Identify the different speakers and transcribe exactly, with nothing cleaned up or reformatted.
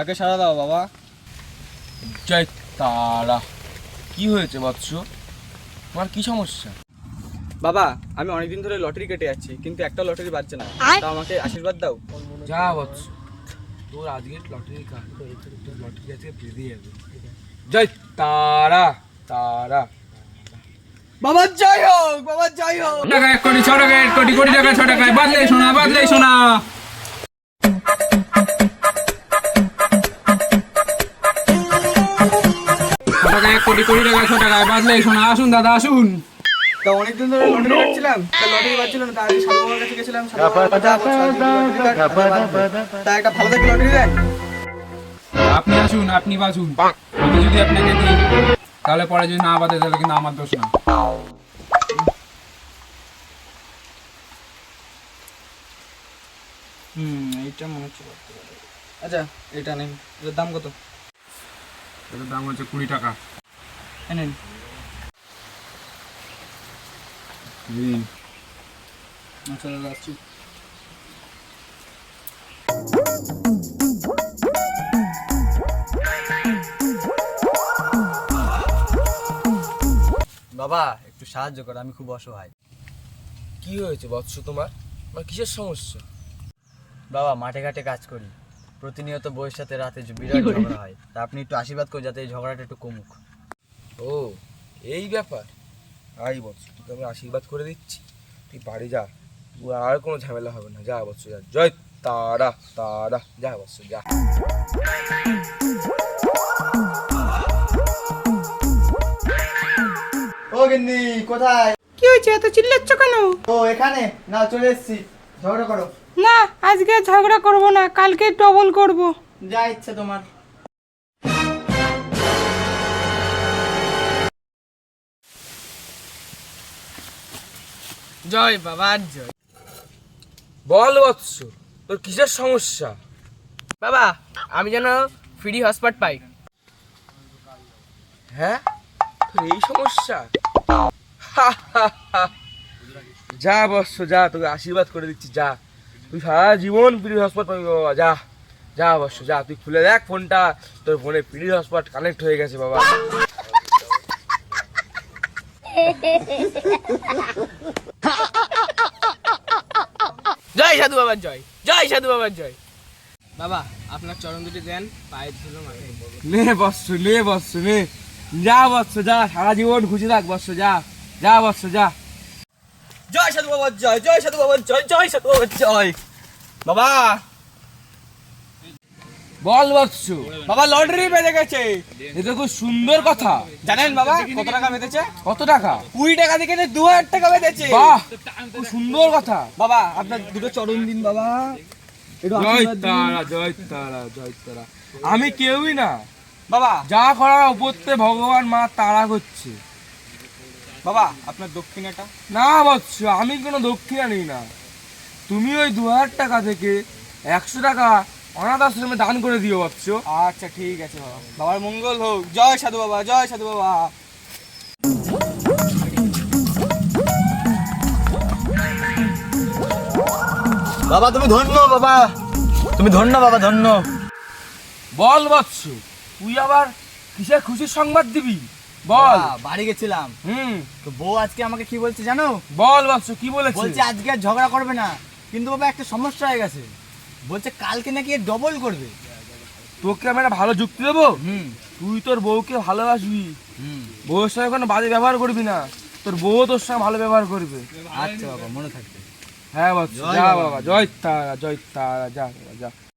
Speaker 1: ডাকে সাড়া দাও বাবা।
Speaker 2: জয় তারা। কি হয়েছে বৎস, তোমার কি সমস্যা?
Speaker 1: বাবা আমি অনেকদিন ধরে লটারি কেটে যাচ্ছি, কিন্তু একটা লটারি বাজছে না, তা আমাকে আশীর্বাদ দাও।
Speaker 2: যা বৎস, তোর আজকের লটারি কাট, লটারি আজকে বেরিয়ে যাবে। জয় তারা তারা।
Speaker 1: বাবা জয় হোক, বাবা জয় হোক।
Speaker 2: টাকা এক কোটি, ছ টাকা এক কোটি, কোটি টাকা ছ টাকায় বাদলে শোনা, বাদলে শোনা। ছ টাকা এক কোটি, কোটি টাকা ছ টাকায় বাদলে শোনা। আসুন দাদা আসুন।
Speaker 1: তা অনেকদিন ধরে লটারি কাটছিলাম, তা লটারি বাজছিল না, তা আগে সাধু বাবার কাছে গেছিলাম। সাধু বাবা বলছে, "যা, বৎস, আজকে লটারি কাট, আজকে বাজবে।" তা একটা ভালো দেখে লটারি দেন।
Speaker 2: আপনি আসুন, আপনি বাসুন। আমি যদি আপনাকে দিই তাহলে পরে যদি না বাদে তাহলে কিন্তু আমার দোষ না।
Speaker 1: হুম এইটা মনে হচ্ছে। আচ্ছা এটা নেন, এটার দাম কত?
Speaker 2: এটার দাম হচ্ছে কুড়ি টাকা।
Speaker 1: নেন।
Speaker 2: দিন।
Speaker 1: আচ্ছা দাদা আসছি। বাবা একটু সাহায্য করো, আমি খুব অসহায়।
Speaker 2: কি হয়েছে বৎস তোমার? আমার কিসের সমস্যা?
Speaker 1: বাবা মাঠে ঘাটে কাজ করি, প্রতিনিয়ত বউয়ের সাথে রাতে বিরাট ঝগড়া হয়, তা আপনি একটু আশীর্বাদ করুন যাতে এই ঝগড়াটা একটু কমুক।
Speaker 2: ও এই ব্যাপার। আই বৎস, তোকে আমি আশীর্বাদ করে দিচ্ছি, তুই বাড়ি যা, তুই আর কোনো ঝামেলা হবে না। যা বৎস যা। জয় তারা তারা। যা বৎস যা।
Speaker 1: ও গিন্নি কোথায়?
Speaker 3: কি হয়েছে, এত চিল্লাচ্ছ কেন?
Speaker 1: ও এখানে না, চলে এসেছি, ঝগড়া করো।
Speaker 3: না আজকে আর ঝগড়া করব না, কালকে ডবল করব।
Speaker 1: যা ইচ্ছে তোমার।
Speaker 3: জয় বাবা জয়।
Speaker 2: বল বৎস, তোর কিসের সমস্যা?
Speaker 3: বাবা আমি যেন ফ্রি হটস্পট পাই।
Speaker 2: হ্যাঁ তোর এই সমস্যা? হা, হা, হা। যা বৎস যা, তোকে আশীর্বাদ করে দিচ্ছি। যা, তুই সারা জীবন ফ্রি হটস্পট পাবি বাবা। যা যা বৎস যা, তুই খুলে দেখ ফোনটা, তোর ফোনে ফ্রি হটস্পট কানেক্ট হয়ে গেছে বাবা।
Speaker 3: জয় সাধু বাবার জয়, জয় সাধু বাবার জয়। বাবা আপনার চরণ দুটি দেন, পায়ের ধুলো মাথায়।
Speaker 2: নে বৎস নে বৎস নে। যা বৎস যা, সারা জীবন খুশি থাক বৎস। যা যা বৎস যা।
Speaker 1: জয় সাধু বাবার জয়, জয় সাধু বাবার জয়, জয় সাধু বাবার জয়। বাবা
Speaker 2: বল বৎস।
Speaker 1: বাবা লটারি বেজে গেছে।
Speaker 2: এটা খুব সুন্দর কথা।
Speaker 1: জানেন বাবা কত টাকা বেঁধেছে?
Speaker 2: কত টাকা?
Speaker 1: কুড়ি টাকা থেকে দু হাজার টাকা বেঁধেছে।
Speaker 2: বাহ, খুব সুন্দর কথা।
Speaker 1: বাবা আপনার দুটো চরণ দিন বাবা, একটু
Speaker 2: জয়
Speaker 1: আশীর্বাদ দিন।
Speaker 2: তারা জয় তারা জয় তারা। আমি কেউই না,
Speaker 1: বাবা
Speaker 2: যা করার উপরতে ভগবান মা তারা করছে।
Speaker 1: বাবা আপনার দক্ষিণাটা?
Speaker 2: না বৎস, আমি কোনো দক্ষিণা নিই না। তুমি ওই দু হাজার টাকা থেকে একশো টাকা অনাথ আশ্রমে দান করে দিও বৎস।
Speaker 1: আচ্ছা ঠিক আছে বাবা, বাবার মঙ্গল হোক। জয় সাধু বাবা, জয় সাধু বাবা। বাবা তুমি ধন্য, বাবা তুমি ধন্য, বাবা ধন্য।
Speaker 2: বল বৎস, তুই আবার কিসের খুশির সংবাদ দিবি? বল।
Speaker 1: বাবা, বাড়ি গেছিলাম,
Speaker 2: হুম
Speaker 1: তো বউ আজকে আমাকে কি বলছে জানো?
Speaker 2: বল বৎস, কি বলেছে?
Speaker 1: বলছে আজকে আর ঝগড়া করবে না, কিন্তু বাবা একটা সমস্যা হয়ে গেছে। বলছে কালকে নাকি ডবল করবে।
Speaker 2: তোকে আমি একটা ভালো যুক্তি দেবো।
Speaker 1: হুম
Speaker 2: তুই তোর বউকে ভালোবাসবি,
Speaker 1: হুম
Speaker 2: বউয়ের সঙ্গে কোনো বাজে ব্যবহার করবি না, তোর বউ তোর সঙ্গে ভালো ব্যবহার করবে।
Speaker 1: আচ্ছা বাবা মনে থাকবে।
Speaker 2: হ্যাঁ বৎস
Speaker 1: জয়
Speaker 2: যা
Speaker 1: বাবা।
Speaker 2: বাবা। জয় তারা জয় তারা। যা বাবা, যা।